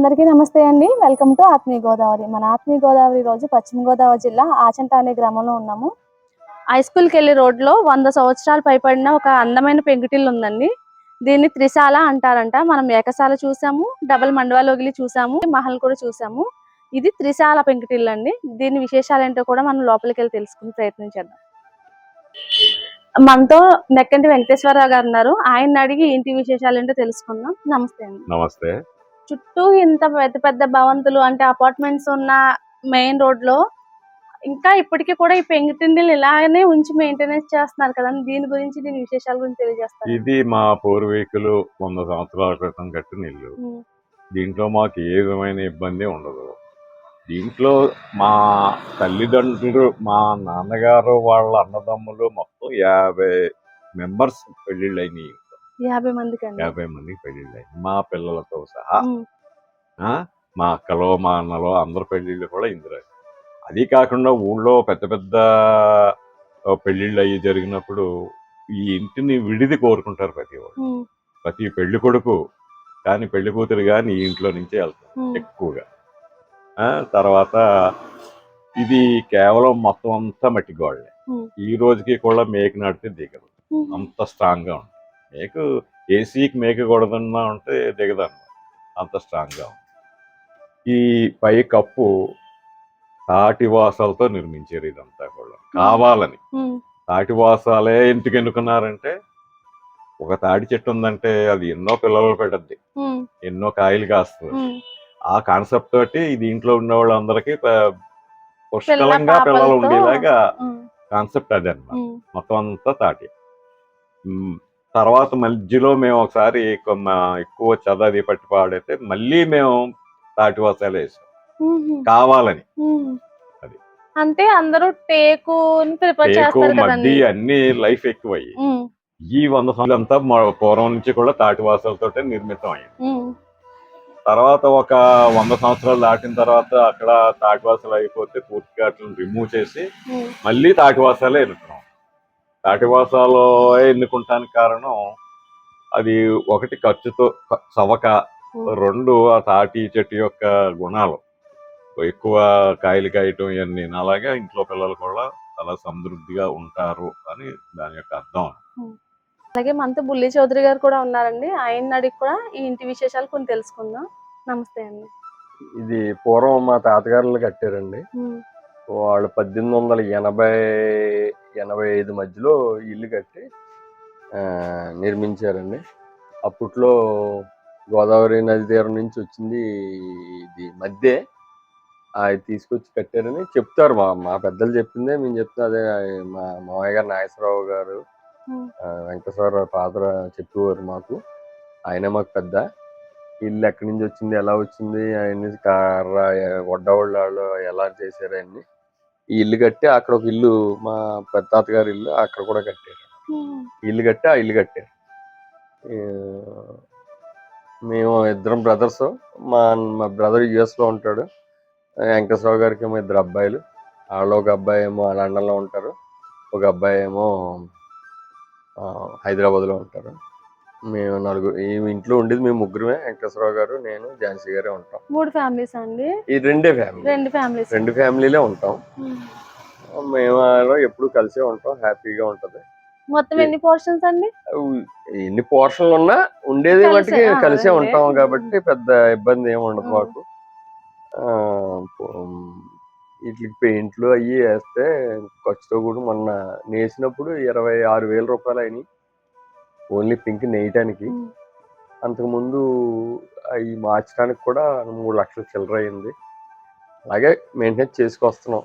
అందరికీ నమస్తే అండి. వెల్కమ్ టు ఆత్మీయ గోదావరి. మన ఆత్మీయ గోదావరి రోజు పశ్చిమ గోదావరి జిల్లా ఆచంట అనే గ్రామంలో ఉన్నాము. హై స్కూల్కి వెళ్ళే రోడ్లో 100 సంవత్సరాలు పైబడిన ఒక అందమైన పెంకుటిల్లు ఉందండి. దీన్ని త్రిశాల అంటారంట. మనం ఏకశాల చూసాము, డబుల్ మండవాలోగిలి చూసాము, మహల్ కూడా చూసాము. ఇది త్రిశాల పెంకుటిల్లు అండి. దీని విశేషాలు ఏంటో కూడా మనం లోపలికి వెళ్ళి తెలుసుకుని ప్రయత్నించేద్దాం. మనతో నెక్కంటి వెంకటేశ్వరరావు గారు ఉన్నారు. ఆయన అడిగి ఇంటి విశేషాలు ఏంటో తెలుసుకుందాం. నమస్తే అండి. నమస్తే. చుట్టూ ఇంత పెద్ద పెద్ద భవంతులు అంటే అపార్ట్మెంట్స్ ఉన్న మెయిన్ రోడ్ లో ఇంకా ఇప్పటికీ కూడా ఈ పెంకుటిల్లు ఇలానే ఉంచి మెయింటెనెన్స్ చేస్తున్నారు కదా. దీని గురించి దీని విశేషాల గురించి తెలియజేస్తారు. ఇది మా పూర్వీకులు 100 సంవత్సరాల క్రితం కట్టిన ఇల్లు. దీంట్లో మాకు ఏ విధమైన ఇబ్బంది ఉండదు. దీంట్లో మా తల్లిదండ్రులు, మా నాన్నగారు వాళ్ళ అన్నదమ్ములు మొత్తం 50 మెంబర్స్ పెళ్లిళ్ళు అయినాయి. 50 మందికి 50 మందికి పెళ్లిళ్ళు అయినాయి, మా పిల్లలతో సహా. మా అక్కలో మా అన్నలో అందరు పెళ్లిళ్ళు కూడా ఇందులో. అది కాకుండా ఊళ్ళో పెద్ద పెద్ద పెళ్లిళ్ళు అయ్యి జరిగినప్పుడు ఈ ఇంటిని విడిది కోరుకుంటారు ప్రతి వాళ్ళు. ప్రతి పెళ్లి కొడుకు కానీ పెళ్లి కూతురు కానీ ఈ ఇంట్లో నుంచే వెళ్తారు ఎక్కువగా. తర్వాత ఇది కేవలం మొత్తం అంతా మట్టి గోడలే. ఈ రోజుకి కూడా మేకు నడితే దిగదు, అంత స్ట్రాంగ్ గా ఉంటుంది. మేకు ఏసీకి మేకు కొడదన్నా ఉంటే దిగదన్నమాట, అంత స్ట్రాంగ్ గా ఉంది. ఈ పై కప్పు తాటి వాసాలతో నిర్మించారు. ఇదంతా కూడా కావాలని. తాటి వాసాలే ఎందుకు ఎన్నుకున్నారంటే, ఒక తాటి చెట్టు ఉందంటే అది ఎన్నో పిల్లలు పెట్టద్ది, ఎన్నో కాయలు కాస్తుంది. ఆ కాన్సెప్ట్ తోటి దీంట్లో ఉన్న వాళ్ళందరికీ పుష్కలంగా పిల్లలు ఉండేలాగా కాన్సెప్ట్ అదే అన్నమాట. మొత్తం అంతా తాటి. తర్వాత మధ్యలో మేము ఒకసారి ఎక్కువ చదది పట్టి పాడైతే మళ్ళీ మేము తాటి వాసాలు వేసాం కావాలని. అది అంటే అందరూ టేకు మడ్డి అన్ని లైఫ్ ఎక్కువయ్యి ఈ 100 సంవత్సరాలు అంతా పూర్వం నుంచి కూడా తాటి వాసాలతో నిర్మితం అయ్యింది. తర్వాత ఒక 100 సంవత్సరాలు దాటిన తర్వాత అక్కడ తాటివాసాలు అయిపోతే పూర్తిగా రిమూవ్ చేసి మళ్ళీ తాటివాసాలే ఎన్నుకున్నాం. తాటివాసాలు ఎన్నుకుంటానికి కారణం అది ఒకటి ఖర్చుతో సవక, 2 ఆ తాటి చెట్టు యొక్క గుణాలు, ఎక్కువ కాయలు కాయటం ఇవన్నీ. అలాగే ఇంట్లో పిల్లలు కూడా చాలా సమృద్ధిగా ఉంటారు అని దాని యొక్క అర్థం. అలాగే మనతో బుల్లి చౌదరి గారు కూడా ఉన్నారండి. ఆయన అడిగి కూడా ఈ ఇంటి విశేషాలు కొన్ని తెలుసుకుందాం. నమస్తే అండి. ఇది పూర్వం మా తాతగారులు కట్టారండి. వాళ్ళు 1880-85 మధ్యలో ఇల్లు కట్టి నిర్మించారండి. అప్పట్లో గోదావరి నది తీరం నుంచి వచ్చింది ఇది మధ్య, అది తీసుకొచ్చి కట్టారని చెప్తారు. మా పెద్దలు చెప్పిందే మేము చెప్తాం. అదే మా మామయ్య గారు నాగేశ్వరరావు గారు, వెంకటేశ్వరరావు ఫాదర్ చెప్పేవారు మాకు. ఆయన మాకు పెద్ద. ఇల్లు ఎక్కడి నుంచి వచ్చింది, ఎలా వచ్చింది, అవన్నీ కర్ర వడ్డవాళ్ళు ఎలా చేశారు అన్ని. ఈ ఇల్లు కట్టి అక్కడ ఒక ఇల్లు మా పెద్ద తాతగారి ఇల్లు అక్కడ కూడా కట్టారు. ఇల్లు కట్టి ఆ ఇల్లు కట్టారు. మేము 2 బ్రదర్స్. మా బ్రదర్ యుఎస్లో ఉంటాడు. వెంకటేశ్వరరావు గారికి ఏమో 2 అబ్బాయిలు. వాళ్ళు ఒక అబ్బాయి ఏమో లండన్లో ఉంటారు, ఒక అబ్బాయి ఏమో హైదరాబాద్లో ఉంటారు. మేము 4 ఈ ఇంట్లో ఉండేది మేము ముగ్గురమే. వెంకటేశ్వరరావు గారు, నేను, ఝాన్సీ గారే ఉంటాం. 3 ఫ్యామిలీస్ అండి? ఈ 2 ఫ్యామిలీలే ఉంటాం. మేము ఎప్పుడు కలిసే ఉంటాం, హ్యాపీగా ఉంటది. మొత్తం ఎన్ని పోర్షన్స్ అండి? ఎన్ని పోర్షన్లు ఉన్నా ఉండేది మట్టుకి కలిసే ఉంటాం కాబట్టి పెద్ద ఇబ్బంది ఏమి ఉండదు మాకు. వీటికి పెయింట్లు అవి వేస్తే ఖర్చుతో కూడా మొన్న నేసినప్పుడు 26,000 రూపాయలు అయినాయి ఓన్లీ పింక్ నేయటానికి. అంతకుముందు అవి మార్చడానికి కూడా 3 లక్షల చిల్లర అయింది. అలాగే మెయింటెనెన్స్ చేసుకొస్తున్నాం.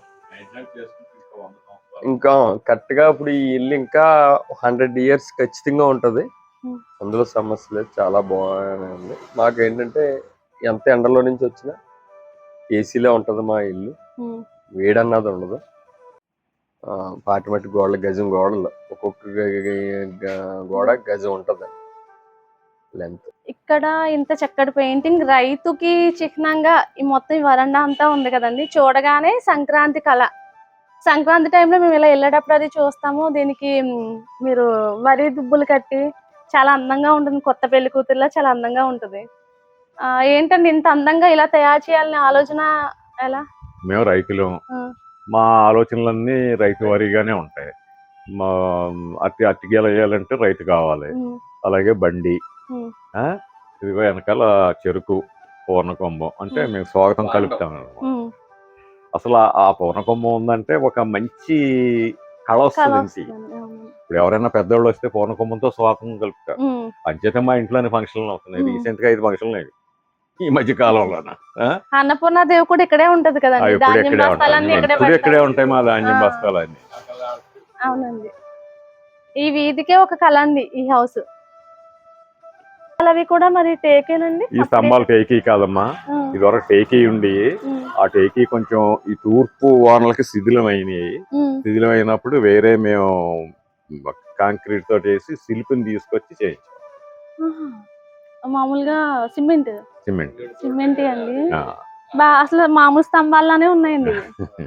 ఇంకా కరెక్ట్గా ఇప్పుడు ఈ ఇల్లు ఇంకా 100 years ఖచ్చితంగా ఉంటుంది. అందులో సమస్య లేదు, చాలా బాగానే ఉంది. మాకు ఏంటంటే ఎంత ఎండలో నుంచి వచ్చినా ఏసీలో ఉంటుంది మా ఇల్లు, వేడన్నది ఉండదు. పాటిమట్టి గోడలు, గజం గోడలు, ఒక్కొక్క గోడ గజం ఉంటుంది లెంత్. ఇక్కడ ఇంత చక్కటి పెయింటింగ్ రైతుకి చిహ్నంగా ఈ మొత్తం ఈ వరండా అంతా ఉంది కదండి. చూడగానే సంక్రాంతి కళ. సంక్రాంతి టైంలో మేము ఇలా వెళ్ళేటప్పుడు అది చూస్తాము. దీనికి మీరు వరి దుబ్బులు కట్టి చాలా అందంగా ఉంటుంది. కొత్త పెళ్లి కూతురులా చాలా అందంగా ఉంటుంది. ఏంటండి ఇంత అందంగా ఇలా తయారు చేయాలనే ఆలోచన ఎలా? మేము రైతులం, ఆ, మా ఆలోచనలన్నీ రైతు వారీగానే ఉంటాయి. మా అట్టి గెల వేయాలంటే రైతు కావాలి, ఉమ్, అలాగే బండి, ఉమ్, ఆ, ఇదిగో వెనకాల చెరుకు పూర్ణకొంబం అంటే మేము స్వాగతం కలుపుతాం అన్నమాట. ఉమ్. అసలు ఆ పూర్ణకొంబం ఉందంటే ఒక మంచి కళ కళ వస్తుంది ఇంటికి. వస్తుందండి, అవును. ఇప్పుడు ఎవరైనా పెద్దవాళ్ళు వస్తే పూర్ణకొంబంతో స్వాగతం కలుపుతారు. ఉమ్, అంచేత మా ఇంట్లోనే ఫంక్షన్లు అవుతున్నాయి. ఉమ్. రీసెంట్ గా 5 ఫంక్షన్లు అయ్యాయి ఈ మధ్య కాలంలోన. అన్నపూర్ణ దేవి కూడా ఇక్కడే ఉంటది కదండి, ఎప్పుడు ధాన్యం ఇక్కడే బస్తాలన్నీ ఉంటాయి, ఇక్కడే ఎప్పుడు ఇక్కడే పెడతారు. ఉంటాయి మా ధాన్యం ఆ, బస్తాలన్నీ. అవునండి. ఈ వీధికే ఒక కళ అండి ఈ హౌస్. అవి కూడా మరి టేకేనండి ఈ స్తంభాలు టేకీ కాదమ్మా, ఇదివరకు టేకీ ఉండి ఆ టేకీ కొంచెం ఈ తూర్పు వానలకి శిథిలమైనవి. శిథిలమైనప్పుడు వేరే మేము కాంక్రీట్ తోటి వేసి శిల్పిని తీసుకొచ్చి చేయించాం. మామూలుగా సిమెంట్ సిమెంట్. సిమెంట్ అండి. అసలు మామూలు స్తంభాల్లానే ఉన్నాయండి ఇవి.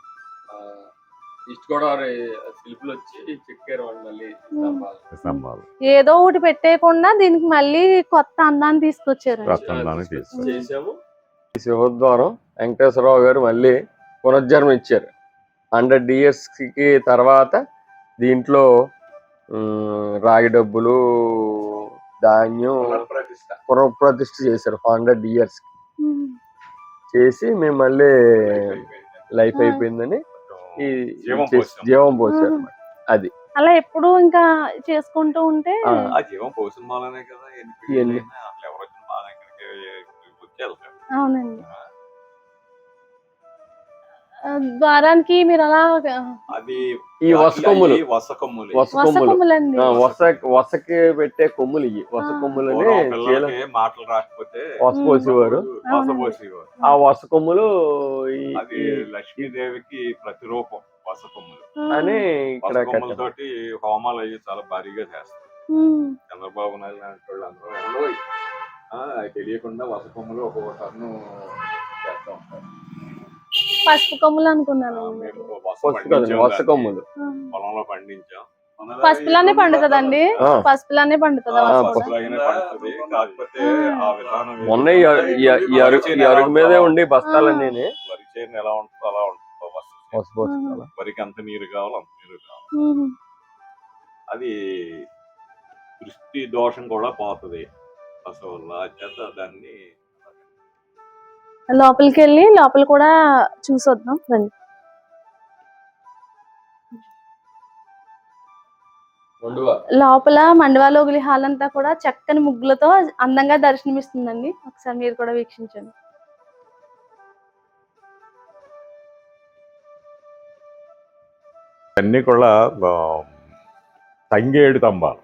ఈస్ట్ గోదావరి శిల్పులు వచ్చి చెక్కారు వాళ్ళు మళ్ళీ స్తంభాలు ఏదో ఒకటి పెట్టేయకుండా దీనికి మళ్ళీ కొత్త అందాన్ని తీసుకొచ్చారు. చేసాము. ఈ సింహద్వారం వెంకటేశ్వరరావు గారు మళ్ళీ పునర్జన్మ ఇచ్చారు 100 years కి తర్వాత. దీంట్లో రాగి డబ్బులు, ధాన్యం పునఃప్రతిష్ఠ చేశారు 100 years చేసి మేము మళ్ళీ లైఫ్ అయిపోయిందని ఈ జీవం పోసారు. అది అలా ఎప్పుడు ఇంకా చేసుకుంటూ ఉంటే అవునండి. ద్వారానికి మీరు అలా ఈ వసకొమ్ములు వసకి పెట్టే కొమ్ములు, ఇవి వస కొమ్ములని మాటలు రాకపోతే వస పోసేవారు. ఆ వస కొమ్ములు లక్ష్మీదేవికి ప్రతిరూపం వసకొమ్ములు అని ఇక్కడ తోటి హోమాలు అయ్యి చాలా భారీగా చేస్తారు. చంద్రబాబు నాయుడు లాంటి వాళ్ళు అందరూ తెలియకుండా వసకొమ్ములు ఒక్కొక్క టన్ను చేస్తూ ఉంటారు. పసుపు కొమ్ములు అనుకున్నాను. వస కొమ్ములు పొలంలో పండించాం. పసుపులానే పండుతుందండి, పసుపులానే పండుతుంది. కాకపోతే ఆ విధానం మొన్న ఈ అరుగు మీదే ఉండి బస్తాలన్నీ వరి చేను ఎలా ఉంటుందో అలా ఉంటుంది. వరికి అంత నీరు కావాలి అంత నీరు కావాలి. అది దృష్టి దోషం కూడా పోతుంది అసలు. చేత దాన్ని లోపలికి వెళ్ళి లోపల కూడా చూసొద్దాం రండి. లోపల మండవాలోగిలి హాల్ అంతా కూడా చక్కని ముగ్గులతో అందంగా దర్శనమిస్తుందండి. ఒకసారి మీరు కూడా వీక్షించండి. అన్ని కూడా తంగేడు స్తంభాలు.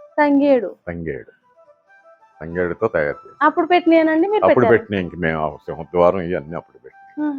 తంగేడుతో తయారు చేసి అప్పుడు పెట్టినానండి మీరు? అప్పుడు పెట్టినాయి. ఇంక మేము సింహద్వారం ఇవన్నీ అప్పుడు పెట్టినాయి.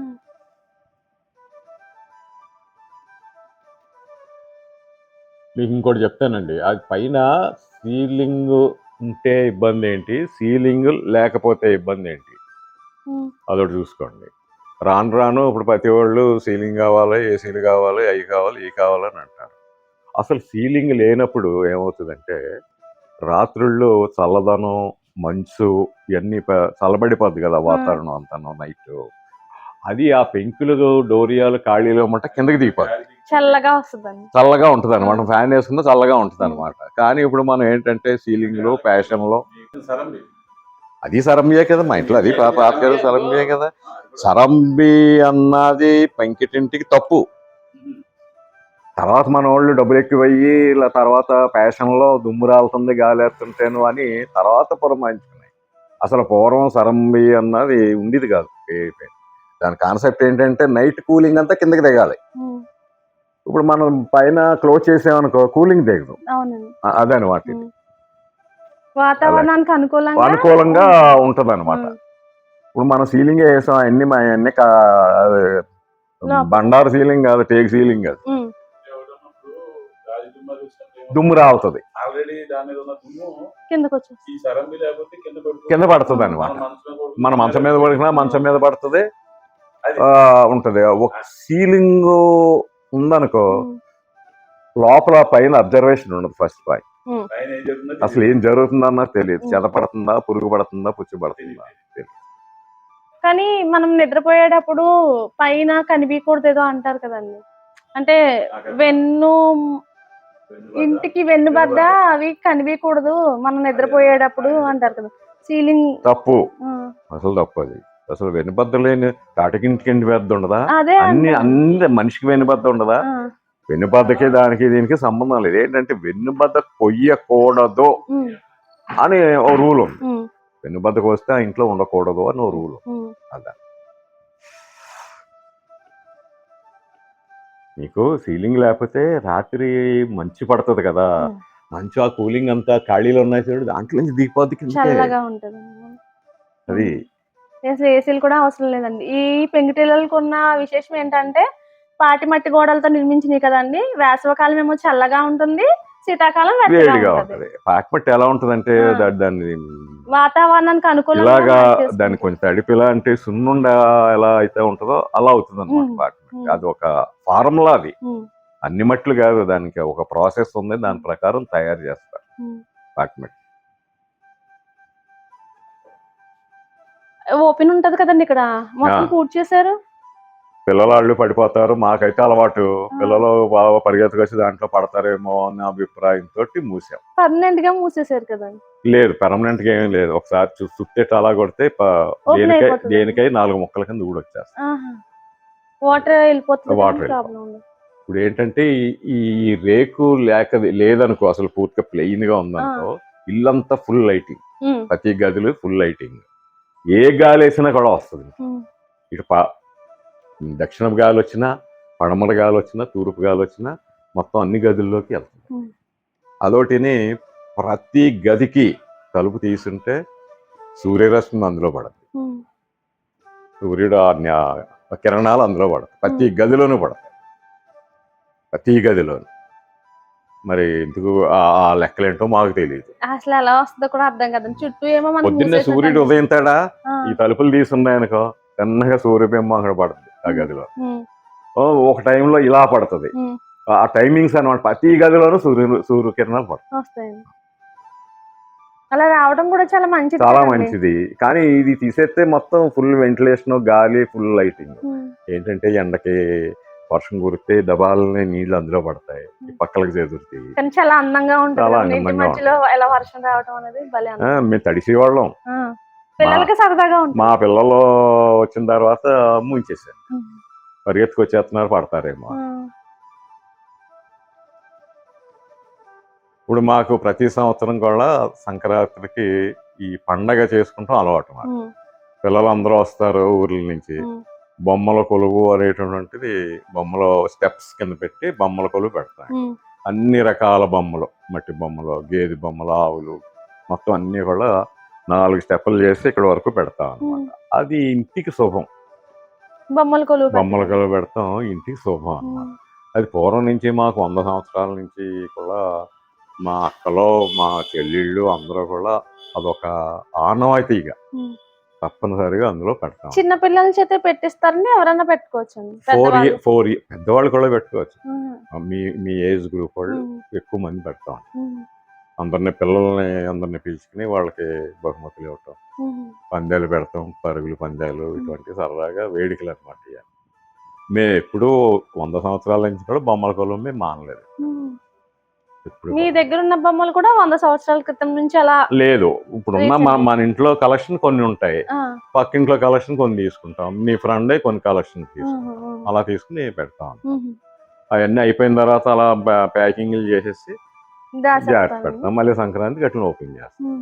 మీకు ఇంకోటి చెప్తానండి, అది పైన సీలింగ్ ఉంటే ఇబ్బంది ఏంటి, సీలింగ్ లేకపోతే ఇబ్బంది ఏంటి, అదొకటి చూసుకోండి. రాను రాను ఇప్పుడు ప్రతి వాళ్ళు సీలింగ్ కావాలి, ఏసీలు కావాలి, అవి కావాలి, ఇవి కావాలని అంటారు. అసలు సీలింగ్ లేనప్పుడు ఏమవుతుందంటే రాత్రుళ్ళు చల్లదనం, మంచు ఇవన్నీ చల్లబడిపోద్ది కదా వాతావరణం అంతా నైట్. అది ఆ పెంకులు, డోరియాలు, ఖాళీలు అన్నమాట కిందకి దిగిపోద్ది, చల్లగా ఉంటుంది అనమాట. ఫ్యాన్ వేసుకున్నా చల్లగా ఉంటుంది అనమాట. కానీ ఇప్పుడు మనం ఏంటంటే సీలింగ్లో ఫ్యాషన్లో అది సరంబియే కదా, మా ఇంట్లో అది పాత కదా సరంబియే కదా. సరంబి అన్నది పెంకిటింటికి తప్పు. తర్వాత మన వాళ్ళు డబ్బులు ఎక్కువయ్యి ఇలా తర్వాత ఫ్యాషన్లో దుమ్ము రాలుతుంది, గాలి వేస్తుంటేను అని తర్వాత పురమాయించుకున్నాయి. అసలు పూర్వం సరంబి అన్నది ఉండేది కాదు. దాని కాన్సెప్ట్ ఏంటంటే నైట్ కూలింగ్ అంతా కిందకి దిగాలి. ఇప్పుడు మనం పైన క్లోజ్ చేసామనుకో కూలింగ్ దిగదు. అదనమాట, వాతావరణానికి అనుకూలంగా ఉంటది అనమాట. ఇప్పుడు మనం సీలింగ్ వేసాం, అన్ని బండారు సీలింగ్ కాదు, టేక్ సీలింగ్ కాదు, దుమ్ము రావుతుంది, కింద పడుతుంది అనమాట. మన మంచం మీద పడినా మంచం మీద పడుతుంది ఉంటది. ఒక సీలింగ్ ఉందనుకో లోపల పైన అబ్జర్వేషన్ ఉండదు. ఫస్ట్ పాయింట్ ఉమ్. అసలు ఏం జరుగుతుందన్నా తెలియదు. ఉమ్. చెద పడుతుందా, పురుగు పడుతుందా, పుచ్చి పడుతుందా తెలియదు. కానీ మనం నిద్రపోయేటప్పుడు పైన కనిపించకూడదు ఏదో అంటారు కదండి. అంటే వెన్ను ఇంటికి వెన్నుబద్ద అవి కనిపించకూడదు మనం నిద్రపోయేటప్పుడు అంటారు కదా. సీలింగ్ తప్పు, అసలు తప్పు అది. అసలు వెనుబద్ద లేని తాటికింటికి బద్ద ఉండదా? అదే అన్ని అంటారు. అన్ని మనిషికి వెనుబద్ద ఉండదా? వెన్నుబద్దకి దానికి దీనికి సంబంధం లేదు. ఏంటంటే వెన్నుబద్ద కొయ్యకూడదు అని ఓ రూల్ ఉంది. వెన్నుబద్దకు వస్తే ఆ ఇంట్లో ఉండకూడదు అని ఓ రూల్. అదా మీకు సీలింగ్ లేకపోతే రాత్రి మంచు పడుతుంది కదా, మంచు ఆ కూలింగ్ అంతా ఖాళీలో ఉన్నాయి చూడు, దాంట్లో నుంచి దిగిపోద్ది కిందకే. చల్లగా ఉంటది అది. అసలు ఏసీలు కూడా అవసరం లేదండి. ఈ పెంకుటిళ్ళకు ఉన్న విశేషం ఏంటంటే పాటి మట్టి గోడలతో నిర్మించినవి కదండి. వేసవకాలం ఏమో చల్లగా ఉంటుంది, శీతాకాలం వేడిగా ఉంటది. పాకమట్టి ఎలా ఉంటదంటే దాన్ని వాతావరణానికి అనుకూలంగా ఇలాగా మార్చేసుకుంటది. దాన్ని కొంచెం తడిపిలా అంటే సున్నుండ ఎలా అయితే ఉంటుందో అలా అవుతుంది అనమాట పాకమట్టి. అది ఒక ఫార్ములా. అది అన్ని మట్లు కాదు, దానికి ఒక ప్రాసెస్ ఉంది, దాని ప్రకారం తయారు చేస్తారు పాకమట్టి. ఓపెన్ ఉంటది కదండి ఇక్కడ, మొత్తం పూర్తి చేశారు. పిల్లలు పడిపోతారు, మాకైతే అలవాటు. పిల్లలు బాగా పరిగెత్తుకొచ్చి దాంట్లో పడతారేమో అన్న అభిప్రాయంతో మూసాం. పర్మనెంట్ గా మూసేశారు కదా? లేదు, పర్మనెంట్ గా ఏం లేదు. ఒకసారి చుట్టేట అలా కొడితే దేనికై 4 ముక్కల కింద ఊడొచ్చేస్తాయి. వాటర్ వెళ్ళిపోతుంది. వాటర్ ఇప్పుడు ఏంటంటే ఈ రేకు లేదనుకో, అసలు పూర్తిగా ప్లెయిన్ గా ఉందనుకో, ఇల్లంతా ఫుల్ లైటింగ్, ప్రతి గదిలో ఫుల్ లైటింగ్. ఏ గాలి వేసినా కూడా వస్తుంది. ఇటు దక్షిణ గాలి వచ్చినా, పడమర గాలి వచ్చినా, తూర్పు గాలి వచ్చినా మొత్తం అన్ని గదుల్లోకి వెళ్తుంది. అదొకటిని ప్రతి గదికి తలుపు తీసుంటే సూర్యరశ్మి అందులో పడదు, సూర్యుడు కిరణాలు అందులో పడతాయి, ప్రతి గదిలోనూ పడతాయి, ప్రతి గదిలోనూ. మరి ఎందుకు ఆ లెక్కలేంటో మాకు తెలియదు. అసలు ఎలా వస్తుందో కూడా అర్థం కదండి. చుట్టూ ఏమో పొద్దున్నే సూర్యుడు ఉదయింతాడా, ఈ తలుపులు తీసున్నాయనుకో చిన్నగా సూర్యబింబం అక్కడ పడుతుంది ఆ గదిలో. ఒక టైంలో ఇలా పడుతుంది. ఆ టైమింగ్స్ అనమాట. ప్రతి గదిలోనూ సూర్యకిరణాలు పడతాయి. అలా రావడం కూడా చాలా మంచిది, చాలా మంచిది. కానీ ఇది తీసేస్తే మొత్తం ఫుల్ వెంటిలేషన్, గాలి, ఫుల్ లైటింగ్. ఏంటంటే ఎండకి వర్షం కురిస్తే దబాలని నీళ్లు అందులో పడతాయి, పక్కలకు చేదురుతాయి. చాలా అందంగా ఉంటుంది. చాలా అందంగా వర్షం రావడం అనేది మేము తడిసేవాళ్ళం. పిల్లలకి సరదాగా ఉంటుంది. మా పిల్లలు వచ్చిన తర్వాత ముంచేసారు, పరిగెత్తుకొచ్చేస్తున్నారు, పడతారేమో. ఇప్పుడు మాకు ప్రతి సంవత్సరం కూడా సంక్రాంతికి ఈ పండగ చేసుకుంటాం అలవాటు. మాకు పిల్లలందరూ వస్తారు ఊర్ల నుంచి. బొమ్మల కొలువు అనేటువంటిది, బొమ్మల స్టెప్స్ కింద పెట్టి బొమ్మల కొలువు పెడతాం. అన్ని రకాల బొమ్మలు, మట్టి బొమ్మలు, గేదె బొమ్మలు, ఆవులు, మొత్తం అన్ని కూడా 4 స్టెప్పులు చేసి ఇక్కడ వరకు పెడతాం అనమాట. అది ఇంటికి శుభం. బొమ్మల కొలువు పెడతాం, ఇంటికి శుభం అనమాట. అది పూర్వం నుంచి మాకు 100 సంవత్సరాల నుంచి కూడా మా అక్కలో మా చెల్లెళ్ళు అందరూ కూడా అదొక ఆనవాయితీగా తప్పనిసరిగా అందులో పెడతాం. చిన్న పిల్లల చేత పెట్టిస్తారని ఎవరైనా పెట్టుకోవచ్చు. 4 పెద్దవాళ్ళు కూడా పెట్టుకోవచ్చు. మీ ఏజ్ గ్రూప్ వాళ్ళు ఎక్కువ మంది పెడతాం. పిల్లల్ని పిలుచుకుని వాళ్ళకి బహుమతులు ఇవ్వటం, పందాలు పెడతాం, పరుగులు పందాలు, ఇటువంటి సరదాగా వేడుకలు అనమాట. మేము ఎప్పుడూ 100 సంవత్సరాల నుంచి కూడా బొమ్మల కొలువు మేము మానలేదు. మీ దగ్గర ఉన్న బొమ్మలు కూడా 100 సంవత్సరాల క్రితం నుంచి అలా లేదు. ఇప్పుడున్న మన ఇంట్లో కలెక్షన్ కొన్ని ఉంటాయి, పక్కింట్లో కలెక్షన్ కొన్ని తీసుకుంటాం, మీ ఫ్రెండ్ కొన్ని కలెక్షన్ తీసుకుంటాం, అలా తీసుకుని పెడతాం. అవన్నీ అయిపోయిన తర్వాత అలా ప్యాకింగ్లు చేసేసి జాగ్రత్త పెడతాం. మళ్ళీ సంక్రాంతికి అట్లా ఓపెన్ చేస్తాం.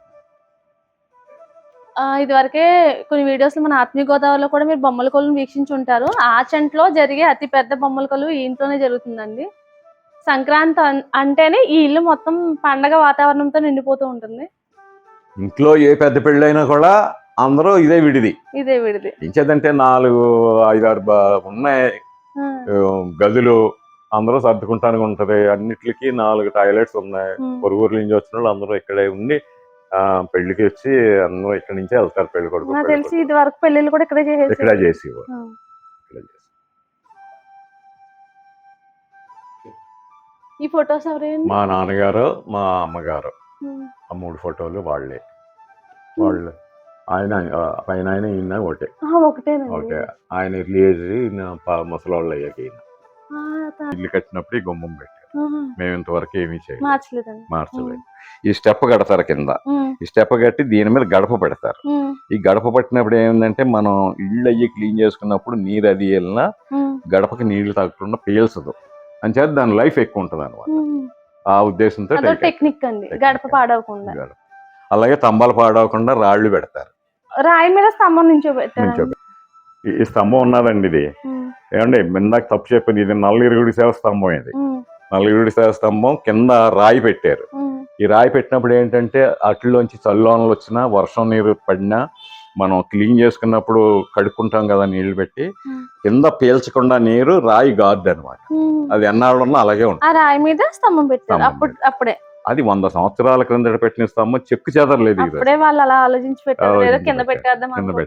ఇది వరకే కొన్ని వీడియోస్ మన ఆత్మీయ గోదావరిలో కూడా మీరు బొమ్మల కొలువును వీక్షించి ఉంటారు. ఆచంట్లో జరిగే అతి పెద్ద బొమ్మల కొలువు ఈ ఇంట్లోనే జరుగుతుందండి. సంక్రాంతి అంటేనే ఈ ఇల్లు మొత్తం పండగ వాతావరణంతో నిండిపోతూ ఉంటుంది. ఇంట్లో ఏ పెద్ద పెళ్ళైనా కూడా అందరూ ఇదే విడిది. ఇంకేదంటే 4, 5, 6 ఉన్నాయి గదులు, అందరూ సర్దుకుంటానికి ఉంటది. అన్నిటికీ 4 టాయిలెట్స్ ఉన్నాయి. పొరుగురు నుంచి వచ్చిన వాళ్ళు అందరూ ఇక్కడే ఉండి పెళ్లికి వచ్చి అందరూ ఇక్కడి నుంచే వెళ్తారు. పెళ్లి కొడుకు తెలిసి ఇది వరకు పెళ్లిళ్ళు కూడా ఇక్కడే చేసేవారు. ఈ ఫొటోస్ ఎవరండి? మా నాన్నగారు, మా అమ్మగారు, ఉమ్. ఆ 3 ఫోటోలు వాళ్ళే. వాళ్ళు ఆయన పైన ఆయన ఈయన ఒకటే. ఒకటేనండి. ఓకే. ఆయన రిలీజ్ ముసలోళ్ళు అయ్యాక ఈయన ఆ, ఇల్లు కట్టినప్పుడు ఈ గుమ్మం పెట్టారు. మేము ఇంతవరకు ఏమీ చేయలేదు, మార్చలేదండి. మార్చలేదు. ఈ స్టెప్ కడతారు కింద, ఉమ్. ఈ స్టెప్ కట్టి దీని మీద గడప పెడతారు. ఉమ్. ఈ గడప పట్టినప్పుడు ఏమిందంటే మనం ఇళ్ళు అయ్యి క్లీన్ చేసుకున్నప్పుడు నీరు అది వెళ్ళినా ఉమ్. గడపకి నీళ్లు తాగకుండా పీల్చదు అని చేత దాని లైఫ్ ఎక్కువ ఉంటుంది అనమాట. ఉమ్. ఆ ఉద్దేశంతో అదో టెక్నిక్ అండి, గడప పాడవకుండా. గడప. అలాగే స్తంభాలు పాడవకుండా రాళ్లు పెడతారు. రాయి మీద స్తంభం నించోబెట్టారు. నించోబె- ఈ స్తంభం ఉన్నదండి ఇది. ఏమండి ఇందాక తప్పు చెప్పింది, ఇది నల్లగిరుగుడి సేవ స్తంభం. ఇది నల్లగిరుగుడి సేవ స్తంభం కింద రాయి పెట్టారు. ఈ రాయి పెట్టినప్పుడు ఏంటంటే అట్లోంచి చల్లోనలు వచ్చినా వర్షం నీరు పడినా మనం క్లీన్ చేసుకున్నప్పుడు కడుక్కుంటాం కదా నీళ్లు పెట్టి, కింద పీల్చకుండా నీరు రాయి గార్డ్ అనమాట. అది ఎన్నాళ్ళున్నా అలాగే ఉంటుంది. ఆ రాయి మీద స్తంభం పెట్టారు అప్పుడే. అది 100 సంవత్సరాల క్రిందట పెట్టిన స్తంభం, చెక్కు చెదరలేదు. అప్పుడే వాళ్ళు అలా ఆలోచించి పెట్టారు, ఏదో కింద పెట్టేద్దాం.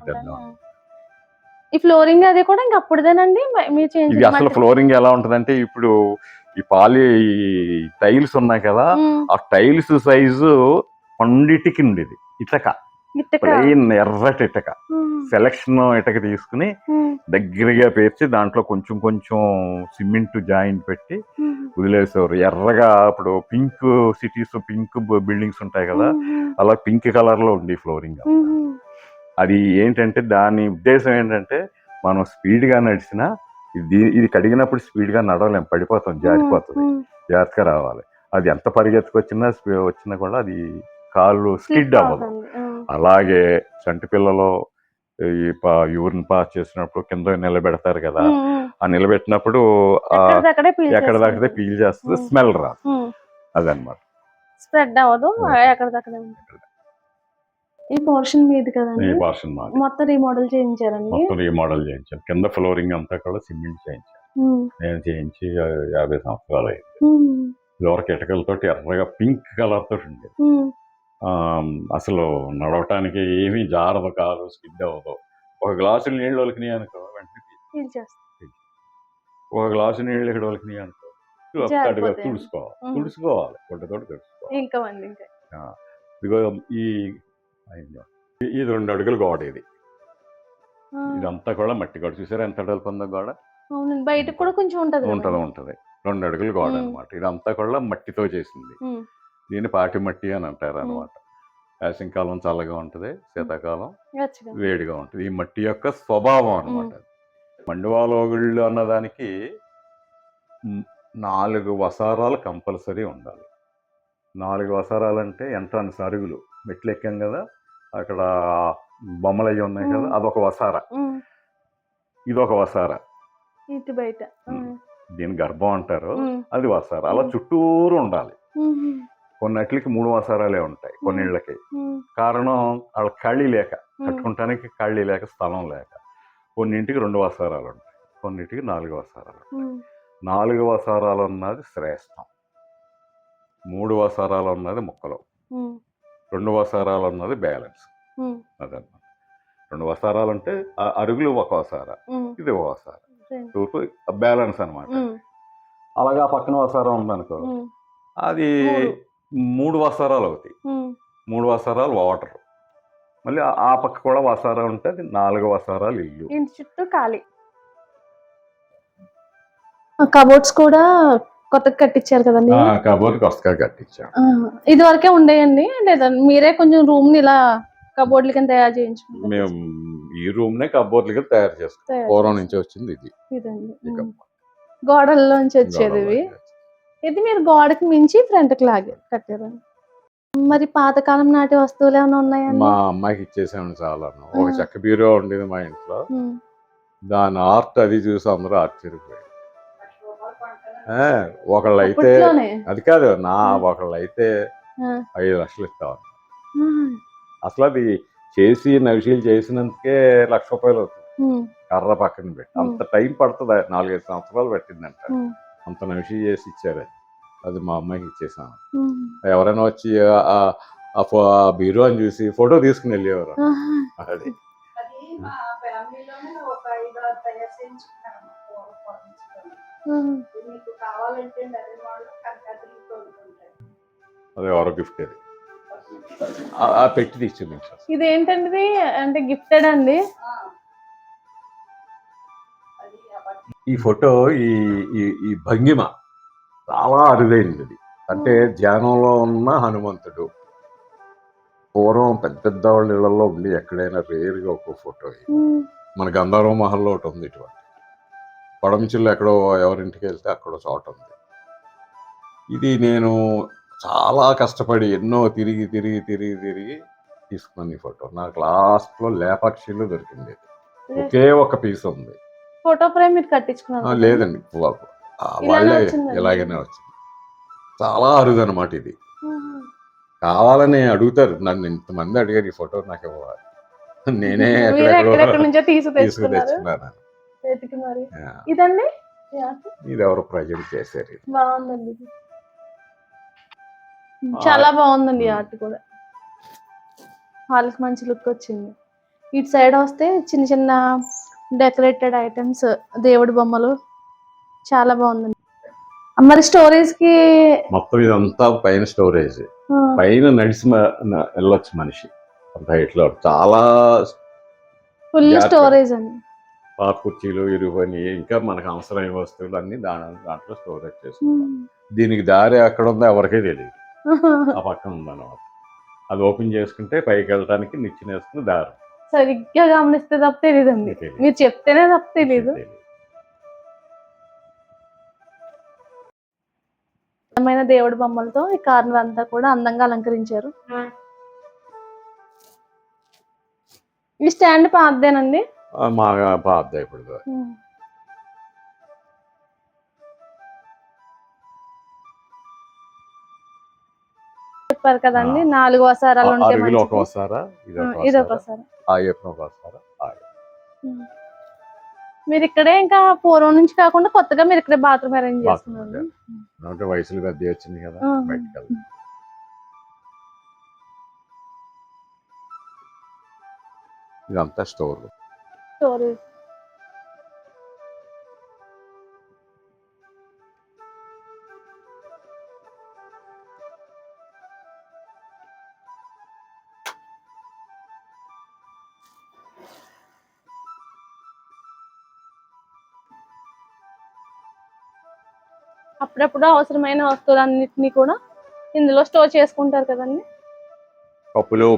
ఈ ఫ్లోరింగ్ అది కూడా ఇంకా అప్పుడుదేనండి మీరు చేంజ్? ఇది అసలు ఫ్లోరింగ్ ఎలా ఉంటదంటే, ఇప్పుడు ఈ టైల్స్ ఉన్నాయి కదా, ఆ టైల్స్ సైజు పండిటికి ఉండేది. ఇటక, ప్లెయిన్ ఎర్రటి ఇటక, సెలక్షన్ ఇటక తీసుకుని దగ్గరగా పేర్చి దాంట్లో కొంచెం కొంచెం సిమెంట్ జాయింట్ పెట్టి వదిలేసేవారు. ఎర్రగా ఇప్పుడు పింక్ సిటీస్, పింక్ బిల్డింగ్స్ ఉంటాయి కదా, అలా పింక్ కలర్ లో ఉంది ఫ్లోరింగ్. అది ఏంటంటే దాని ఉద్దేశం ఏంటంటే, మనం స్పీడ్ గా నడిచినా ఇది కడిగినప్పుడు స్పీడ్ గా నడవలేం, పడిపోతాం, జారిపోతుంది, జాగ్రత్తగా రావాలి. అది ఎంత వచ్చినా కూడా అది కాళ్ళు స్కిడ్ అవ్వదు. అలాగే చంటి పిల్లలు ఈ యూరిన్ పాస్ చేసినప్పుడు కింద నిలబెడతారు కదా, ఆ నిలబెట్టినప్పుడు ఎక్కడిదక్కడే పీల్ చేస్తుంది, స్మెల్ రాదు. అదనమాట, స్ప్రెడ్ అవ్వదు, ఎక్కడిదక్కడే ఉంటుంది. ఈ పోర్షన్ మీది కదండి? ఈ పోర్షన్ మాది. మొత్తం రీమోడల్ చేయించారండి? మొత్తం రీమోడల్ చేయించారు. కింద ఫ్లోరింగ్ అంతా కూడా సిమెంట్ చేయించారు. నేను చేయించి 50 సంవత్సరాలు అయింది. ఇదివరకు ఇటకలతోటి ఎర్రగా పింక్ కలర్ తోటి ఉండేది. అసలు నడవటానికి ఏమీ జారదు, కాదు, స్కిడ్ అవ్వదు. ఒక గ్లాసు నీళ్ళు ఒలికినాయి అనుకో వెంటనే ఒక గ్లాసు నీళ్ళు ఇక్కడ ఒలికినాయి అనుకో తుడుచుకోవాలి గుడ్డతోటి తుడుచుకోవాలి. ఇదిగో ఇది 2 అడుగుల గోడ. ఇదంతా కూడా మట్టి గోడ. చూసారా ఎంత అడుగులు ఉందో గోడ? బయట కూడా కొంచెం ఉంటది. 2 అడుగుల గోడ అనమాట. ఇదంతా కూడా మట్టితో చేసింది. దీన్ని పాటి మట్టి అని అంటారు అనమాట. వేసవికాలం చల్లగా ఉంటుంది, శీతాకాలం వేడిగా ఉంటుంది. ఈ మట్టి యొక్క స్వభావం అనమాట. మండువాలోగుళ్ళు అన్నదానికి 4 వసారాలు కంపల్సరీ ఉండాలి. 4 వసారాలు అంటే ఎంట్రన్స్ అరుగులు, మెట్లు ఎక్కాం కదా, అక్కడ బొమ్మలు అయ్యి ఉన్నాయి కదా, అదొక వసార, ఇదొక వసార, బయట దీని గర్భం అంటారు, అది వసార. అలా చుట్టూరు ఉండాలి. కొన్నిట్లకి 3 వసారాలే ఉంటాయి, కొన్నిళ్ళకి. కారణం వాళ్ళ ఖాళీ లేక, కట్టుకుంటానికి ఖాళీ లేక, స్థలం లేక. కొన్నింటికి 2 వసారాలు ఉంటాయి, కొన్నింటికి 4 వసారాలు. 4 వసారాలు ఉన్నది శ్రేష్టం, 3 వసారాలు ఉన్నది ముక్కలు, 2 వసారాలు ఉన్నది బ్యాలెన్స్. అదన్నమాట. 2 వసారాలు అంటే అరుగులు ఒక వసార, ఇది ఒక వసార, తూర్పు బ్యాలెన్స్ అనమాట. అలాగా పక్కన వసారం ఉందనుకో, అది 3 వసారాలు అవుతాయి. 3 వసారాలు వాటర్, మళ్ళీ ఆ పక్క కూడా వసారా ఉంటే అది 4 వసారాలు ఇల్లు. ఇంటి చుట్టూ ఖాళీ. కబోర్డ్స్ కూడా కొత్తగా కట్టించారు కదండి? కబోర్డ్ కొత్తగా కట్టించారు. ఇది వరకే ఉండేయండి, లేదా మీరే కొంచెం రూమ్ ని ఇలా కబోర్డ్ల కింద తయారు చేయించుకున్నాం? మేము ఈ రూమ్ నే కబోర్డ్ల కింద తయారు చేస్తాం. పూర్వం నుంచి వచ్చింది ఇది. గోడల్లోంచి వచ్చేది ఇది. మీరు గోడకి మించి ఫ్రంట్ కి లాగే కట్టారు. మరి పాతకాలం నాటి వస్తువులు ఏమైనా ఉన్నాయండి? మా అమ్మాయికి ఇచ్చేసాను చాలా. ఒక చెక్క బీరో ఉండేది మా ఇంట్లో, దాని ఆర్ట్ అది చూసి అందరూ ఆశ్చర్యపోయారు. ఒకళ్ళైతే అది కాదు, ఒకళ్ళైతే 5 లక్షలు ఇస్తాం. అసలు అది చేసి నవిషీలు చేసినందుకే ₹1,00,000 అవుతుంది. కర్ర పక్కన పెట్టి అంత టైం పడుతుంది, 4-5 సంవత్సరాలు పట్టిందంట. అంత నవిషీ చేసి ఇచ్చారు. అది మా అమ్మాయికి ఇచ్చేసాను. ఎవరైనా వచ్చి ఆ బీరో అని చూసి ఫోటో తీసుకుని వెళ్ళేవారు. అది అది ఎవరో గిఫ్ట్ అది ఆ పెట్టి తీసి చూపించారు. ఇదేంటండి అంటే గిఫ్టెడ్ అండి? ఈ ఫోటో ఈ ఈ ఈ భంగిమ చాలా అరుదైనది అది. అంటే ధ్యానంలో ఉన్న హనుమంతుడు. పూర్వం పెద్ద పెద్ద వాళ్ళ ఇళ్లలో ఉండి ఎక్కడైనా రేరుగా ఒక ఫోటో ఇది. మన గంధర్వ మహల్లో ఒకటి ఉంది ఇటువంటి. పడమచిల్లు ఎక్కడో ఎవరింటికి వెళ్తే అక్కడ చోట ఉంది. ఇది నేను చాలా కష్టపడి ఎన్నో తిరిగి తీసుకున్నాను ఈ ఫోటో. నాకు లాస్ట్లో లేపాక్షిలో దొరికింది. ఒకే ఒక పీస్ ఉంది. ఫోటో ఫ్రేమ్ మీరు కట్టించుకున్నారు? లేదండి, వాళ్ళే ఇలాగనే వచ్చింది. చాలా అరుదు అనమాట ఇది. కావాలని అడుగుతారు నన్ను, ఇంతమంది అడిగారు ఈ ఫోటో నాకు ఇవ్వాలి. నేనే తీసుకున్నాను. ఇదండి ఇది ఎవరు ప్రజెంట్ చేశారు. బాగుందండి, చాలా బాగుందండి. ఆర్ట్ కూడా వాళ్ళకి మంచి లుక్ వచ్చింది. ఇటు సైడ్ వస్తే చిన్న చిన్న డెకరేటెడ్ ఐటమ్స్, దేవుడి బొమ్మలు, చాలా బాగుందండి. మరి స్టోరేజ్ కి మొత్తం ఇదంతా పైన స్టోరేజ్. పైన నడిచి వెళ్ళొచ్చు మనిషి అంత హైట్ లో. చాలా ఫుల్ స్టోరేజ్ అండి. పాత కుర్చీలు ఇరువని ఇంకా మనకు అవసరమైన వస్తువులు అన్ని దాంట్లో స్టోరేజ్ చేసుకుంటాం. దీనికి దారి ఎక్కడ ఉందో ఎవరికే తెలియదు. ఆ పక్కన ఉందన్నమాట. అది ఓపెన్ చేసుకుంటే పైకి వెళ్ళడానికి నిచ్చెన వేసుకుని దారి. సరిగ్గా గమనిస్తే తప్ప తెలియదండి, మీరు చెప్తేనే తప్ప తెలియదు. అందమైన దేవుడి బొమ్మలతో ఈ కార్నర్ అంతా కూడా అందంగా అలంకరించారు. ఈ స్టాండ్ పాతదేనండి? పాతదే ఇప్పుడు. చెప్పారు కదండి 4 వసారాలు ఉంటాయి. ఇది ఒక వసారా. మీరు ఇక్కడే ఇంకా పూర్వం నుంచి కాకుండా కొత్తగా మీరు ఇక్కడే బాత్రూమ్ అరేంజ్ చేసుకున్నారు. వయసులు పెద్ద వచ్చింది కదా బయటకు. ఇదంతా స్టోరేజ్. అప్పుడప్పుడు అవసరమైన వస్తువులన్నిటినీ కూడా ఇందులో స్టోర్ చేసుకుంటారు కదండి. పప్పులు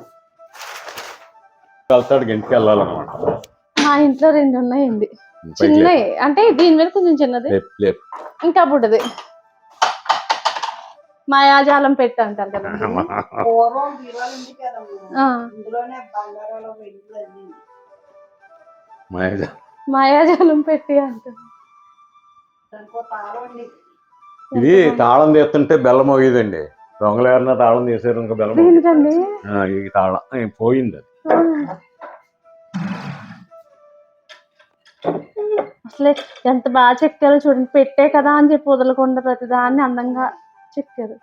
ఇంటికి వెళ్ళాలన్నమాట. మా ఇంట్లో 2 ఉన్నాయండి, చిన్నవి. అంటే దీని మీద కొంచెం చిన్నది, ఇంకా బుడ్డది. మాయాజాలం పెట్టి అంటారు కదా. మాయాజాలం పెట్టి అంటారు. ఇది తాళం తీస్తుంటే బెల్లం మోగేదండి. దొంగలు ఎవరన్నా తాళం తీసారు ఇంకా బెల్లం ఈ తాళం పోయింది. అసలే ఎంత బాగా చెక్కారో చూడండి. పెట్టే కదా అని చెప్పి వదలకుండా ప్రతిదాన్ని అందంగా చెక్కారు.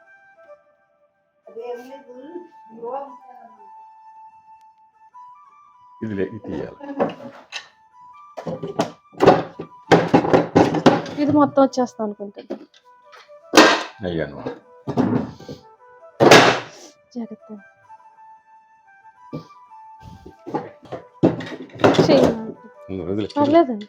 ఇది మొత్తం వచ్చేస్తాం అనుకుంటుంది. జాగ్రత్త పర్లేదండి.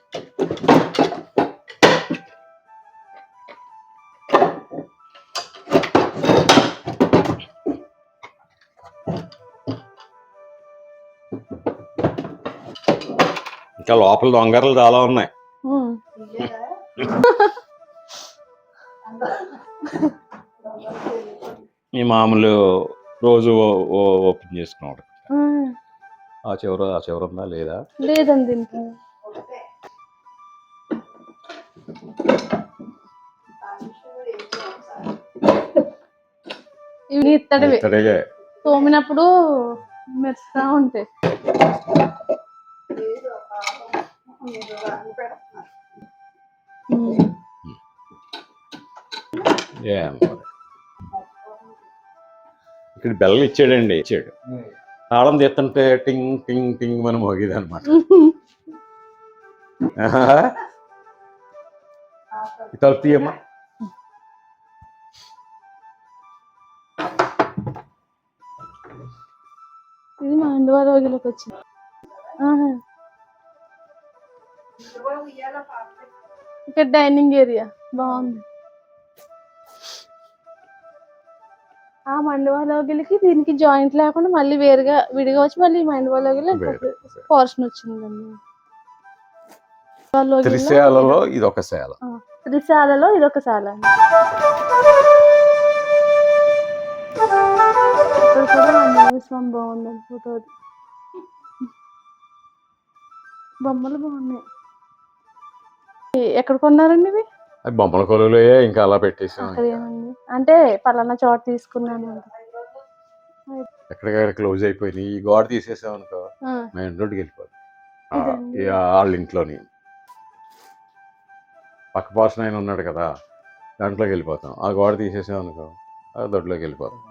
ఇంకా లోపల దొంగలు చాలా ఉన్నాయి. ఈ మామూలు రోజు ఓపెన్ చేసుకున్నాడు. ఆ చివర ఉందా లేదా? లేదండి. ఇంకా ఇవి ఇత్తడివే, తోమినప్పుడు మెరుస్తా ఉంటాయి. ఇక్కడ బెల్లం ఇచ్చాడు. తాళం తీస్తుంటే టింగ్ టింగ్ టింగ్ అని మోగేది అనమాట. తలుపు తీయమ్మా. ఇది మా ఇండివాలోకి వచ్చింది. ఆహా. ఇక్కడ డైనింగ్ ఏరియా బాగుంది. ఆ మండవాలోగిలికి దీనికి జాయింట్ లేకుండా మళ్ళీ వేరుగా విడిగా వచ్చి మళ్ళీ మండవాలోగిలి పోర్షన్ వచ్చిందండి. త్రిశాలలో ఇదొక శాల. త్రిశాలలో ఇదొక శాల. ఇక్కడ కూడా ఆంజనేయ స్వామి బాగుందండి ఫోటో. బొమ్మలు బాగున్నాయి. ఎక్కడ కొన్నారండి ఇవి? అది బొమ్మల కొలువులే ఇంకా అలా పెట్టేసాం. అంటే పలానా చోట తీసుకున్నాను. ఎక్కడికక్కడ క్లోజ్ అయిపోయినాయి. ఈ గోడ తీసేసాం అనుకో మెయిన్ రోడ్డుకి వెళ్ళిపోతుంది. వాళ్ళ ఇంట్లోని పక్క పోర్షన్ ఆయన ఉన్నాడు కదా, దాంట్లోకి వెళ్ళిపోతాం. ఆ గోడ తీసేసాం అనుకో ఆ దొడ్లోకి వెళ్ళిపోతాం.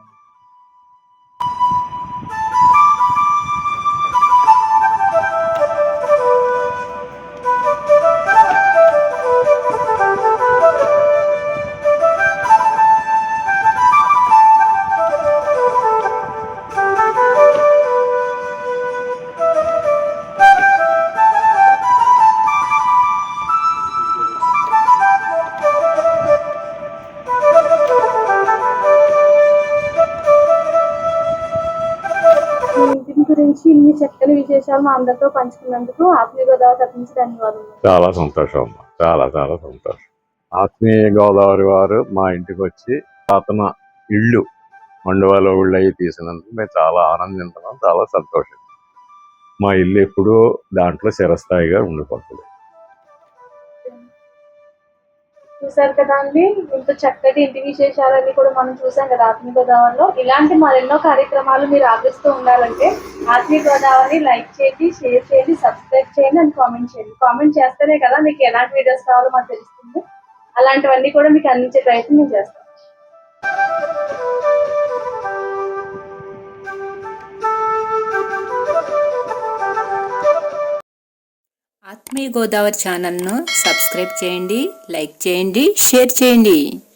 గురించి ఇన్ని చక్కని విశేషాలు మా అందరితో పంచుకున్నందుకు ఆత్మీయ గోదావరి తరఫు నుంచి ధన్యవాదాలు. చాలా సంతోషం అమ్మా, చాలా చాలా సంతోషం. ఆత్మీయ గోదావరి వారు మా ఇంటికి వచ్చి అతను ఇళ్ళు మండువాలో ఊళ్ళు అవి తీసినందుకు మేము చాలా ఆనందించున్నాం, చాలా సంతోషం. మా ఇల్లు ఎప్పుడూ దాంట్లో చిరస్థాయిగా ఉండిపోతుంది. చూసారు కదా అండి, ఇంత చక్కటి ఇంటి విశేషాలన్నీ కూడా మనం చూసాం కదా ఆత్మీయ గోదావరిలో. ఇలాంటి మరెన్నో కార్యక్రమాలు మీరు ఆదరిస్తూ ఉండాలంటే ఆత్మీయ గోదావరిని లైక్ చేయండి, షేర్ చేయండి, సబ్స్క్రైబ్ చేయండి అండ్ కామెంట్ చేయండి. కామెంట్ చేస్తేనే కదా మీకు ఎలాంటి వీడియోస్ కావాలో మాకు తెలుస్తుంది. అలాంటివన్నీ కూడా మీకు అందించే ప్రయత్నం మేము చేస్తాం. ఆత్మీయ గోదావరి ఛానల్ను సబ్స్క్రైబ్ చేయండి, లైక్ చేయండి, షేర్ చేయండి.